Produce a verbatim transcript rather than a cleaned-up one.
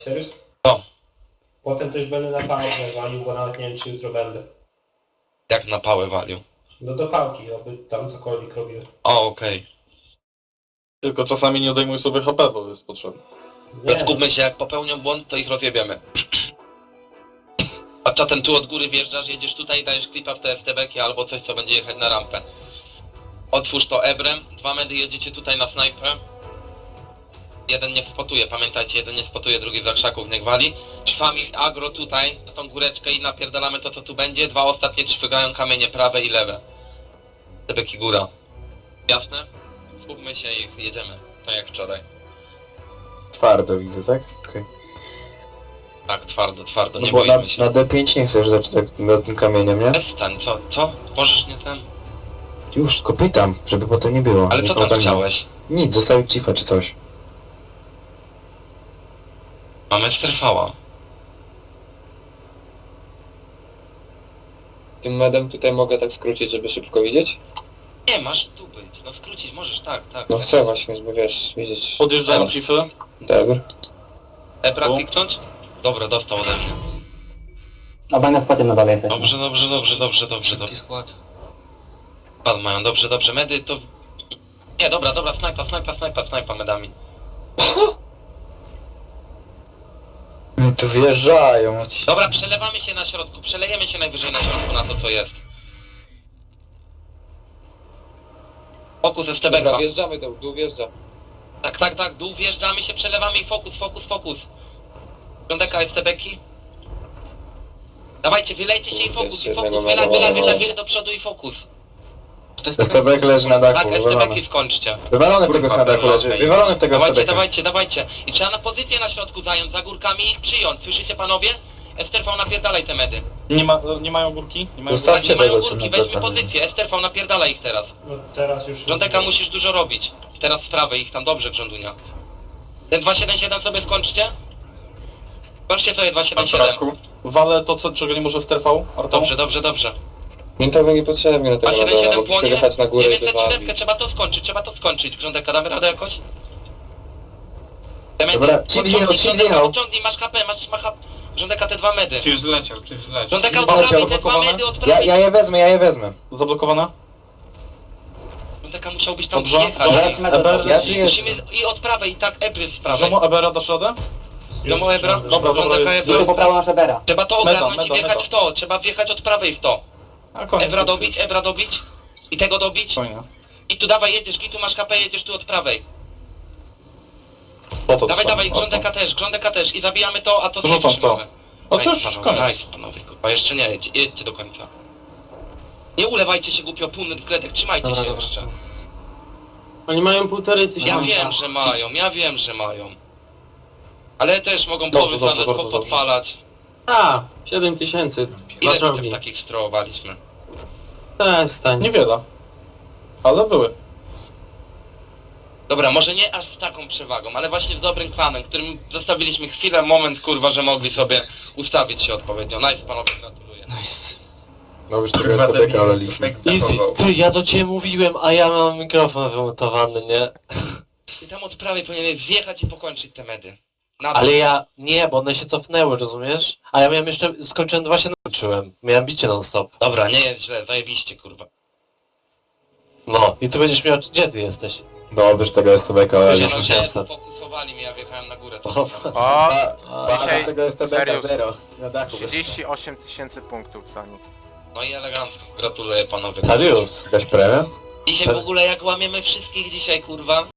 Serio? No, Potem też będę na pałkę walił, bo nawet nie wiem czy jutro będę. jak na pałę walił. No do pałki, aby tam cokolwiek robił. O, okej. Tylko czasami nie odejmuj sobie H P, bo jest potrzebne. Okay. Skupmy się, jak popełnią błąd, to ich rozjebiemy. A czatem tu od góry wjeżdżasz, jedziesz tutaj, dajesz klipa w te F T B-ki albo coś, co będzie jechać na rampę. Otwórz to ebrem, dwa medy jedziecie tutaj na snajpę. Jeden niech spotuje, pamiętajcie, jeden nie spotuje, drugi za krzaków niech wali. Szwami agro tutaj, na tą góreczkę i napierdalamy to, co tu będzie. Dwa ostatnie trzygają kamienie prawe i lewe. F T B-ki góra. Jasne? Skupmy się i jedziemy, tak jak wczoraj. Twardo widzę, tak? Okej. Tak, twardo, twardo, No nie bo na, boimy się. na D pięć nie chcesz zacząć tak nad tym kamieniem, nie? Przestań, co, co? Możesz nie ten? Już, tylko pytam, żeby potem nie było. Ale Nie co było tam nie- chciałeś? Nic, zostawić cifa czy coś. Mamy strefała. Tym medem tutaj mogę tak skrócić, żeby szybko widzieć? Nie, masz tu być, no skrócić możesz, tak, tak. No chcę właśnie, bo wiesz, widzieć. Podjeżdżają Dobra. cify. Dobra. Ebra Tu. kliknąć? Dobra, dostał ode mnie. Obaj na spocie na dole jesteśmy. Dobrze, dobrze, dobrze, dobrze, dobrze, dobrze. skład. Pan mają, dobrze, dobrze, medy to... Nie, dobra, dobra, snajpa, snajpa, snajpa, snajpa medami. No tu wjeżdżają. ci- Dobra, przelewamy się na środku, przelejemy się najwyżej na środku na to, co jest. Fokus F T B. Dobra, wjeżdżamy do dół, wjeżdża. Tak, tak, tak, dół wjeżdżamy się, przelewamy i fokus, fokus, fokus. Piąteka F T B-ki. Dawajcie, wylejcie się i Kurde, fokus, jeszcze i fokus, jednego wylać, meda wylać, mam. wylać się do przodu i fokus. S T B leży na Tak, dachu, F T wywalony. B-ki skończcie. Wywalony tego Kurwa, na dachu dobra, leży, okej. wywalony tego Dawajcie, S T B. dawajcie, dawajcie. I trzeba na pozycję na środku zająć, za górkami i ich przyjąć. Słyszycie panowie? F T V napierdalaj te medy. Nie, ma, nie mają górki? Nie mają Zostawcie Tak, nie mają tego, co górki, na weźmy plecach. pozycję. F T V napierdalaj ich teraz. No teraz już... Rządeka musisz dużo robić. Teraz z prawej ich tam dobrze, Grządunia. Ten dwa siedem siedem sobie skończcie. Skończcie sobie dwa siedem siedem. Walę to, co, czego nie może strefał. Artą. Dobrze, dobrze, dobrze. Mintowy niepotrzebnie na dwa tego siedem medala, siedem mogliśmy płonie. wjechać na górę i dziewięćset siedem wywalić. trzeba to skończyć, trzeba to skończyć. Grządeka, damy radę jakoś? Te medy, Dobra, chip podciągnij, zjechał, chip Grządeka, zjechał. podciągnij, masz H P, masz, masz H P. Grządeka, te dwa medy. Czyż zleciał, czyż zleciał. Grządeka, od Zjechał, prawej te dwa zablokowane? medy, od Ja, prawej. ja je wezmę, ja je wezmę. Zablokowana? Grządeka musiał być tam Dobrze. wjechać. Dobra, I- metod. Eber, Ja tu i jestem. Musimy i od prawej, i tak Ebry z prawej. Żomo Ebera dasz radę? Domo Ebra, Dobra, dobra, Grządeka, jest- Tylko Ebra. po prawo nasza Bera. Trzeba to Meda, ogarnąć i meda, wjechać meda. w to, trzeba wjechać od prawej w to. A koniec. Ebra dobić, Ebra dobić. I tego dobić. Fajnie. I tu dawaj, jedziesz, tu masz H P, jedziesz tu od prawej. Po to Dawaj, trwa. dawaj, Artą. grządeka też, grządeka też. I zabijamy to, a to Rzucam zjedziesz to. prawe. A Nice, to już panowie, koniec. nice, panowie, kurwa, jeszcze nie, jedź, jedźcie do końca. Nie ulewajcie się głupio, półny wkledek, trzymajcie Dobra, się dobra. jeszcze. Oni mają półtorej tysiąca. Ja wiem, że mają, ja wiem, że mają. Ale też mogą Dobrze, poły dobrze, nawet bardzo dobrze. podpalać. A, siedem tysięcy. Ile Dwa bitew czołgi. takich strołowaliśmy? Przestań. Niewiele. Ale były. Dobra, może nie aż z taką przewagą, ale właśnie z dobrym klanem, którym zostawiliśmy chwilę, moment, kurwa, że mogli sobie ustawić się odpowiednio. Nice, panowie, gratuluję. No już tego S T B oleliśmy. Easy. Ty, ja do ciebie mówiłem, a ja mam mikrofon wymontowany, nie? I tam od prawej powinieneś wjechać i pokończyć te medy. Na Ale ja... Nie, bo one się cofnęły, rozumiesz? A ja miałem jeszcze... Skończyłem dwa się nauczyłem. Miałem bicie non stop. Dobra, nie jest źle, zajebiście, kurwa. No. I ty będziesz miał... Gdzie ty jesteś? Dobrze, że tego S T B Ludzie oleliśmy. no się osiemset. fokusowali mnie, ja wjechałem na górę. To O, O, Ba, Dzisiaj- tego S T B Serius. zero. Na dachu. trzydzieści osiem tysięcy punktów za nich. No i elegancko, gratuluję panowie. Sarius. Jakaś premia? Dzisiaj w ogóle jak łamiemy wszystkich dzisiaj, kurwa.